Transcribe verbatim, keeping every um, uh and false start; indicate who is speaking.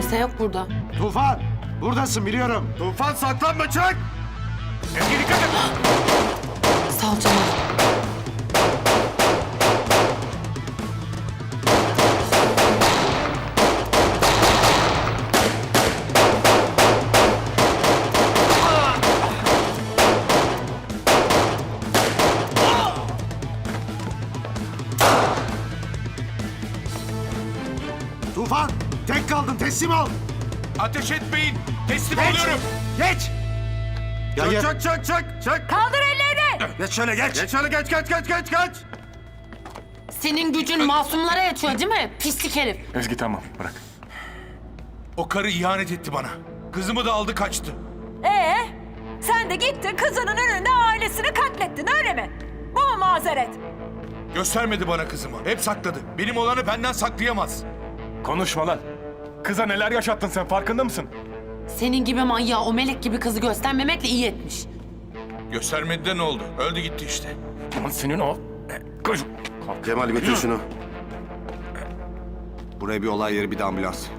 Speaker 1: Kimse yok burada.
Speaker 2: Tufan! Buradasın biliyorum.
Speaker 3: Tufan saklanma çık!
Speaker 4: Ezgi dikkat et!
Speaker 1: Sağ ol Cemal.
Speaker 2: Tufan! Tek kaldın teslim ol!
Speaker 4: Ateş etmeyin! Teslim
Speaker 2: Geç!
Speaker 4: oluyorum!
Speaker 2: Geç! Gel gel.
Speaker 3: Çık çık çık çık!
Speaker 5: Kaldır ellerini!
Speaker 2: Geç şöyle geç.
Speaker 3: Geç şöyle geç geç geç geç geç!
Speaker 1: Senin gücün masumlara yetiyor değil mi? Pislik herif.
Speaker 4: Ezgi tamam bırak. O karı ihanet etti bana. Kızımı da aldı kaçtı.
Speaker 5: Ee, sen de gittin kızının önünde ailesini katlettin öyle mi? Bu mu mazeret?
Speaker 4: Göstermedi bana kızımı. Hep sakladı. Benim olanı benden saklayamaz.
Speaker 6: Konuşma lan. Kıza neler yaşattın sen farkında mısın?
Speaker 1: Senin gibi manyağı o melek gibi kızı göstermemekle iyi etmiş.
Speaker 4: Göstermedi de ne oldu? Öldü gitti işte.
Speaker 6: Lan senin o... Koş.
Speaker 2: Cemal götür şunu. Buraya bir olay yeri bir de ambulans.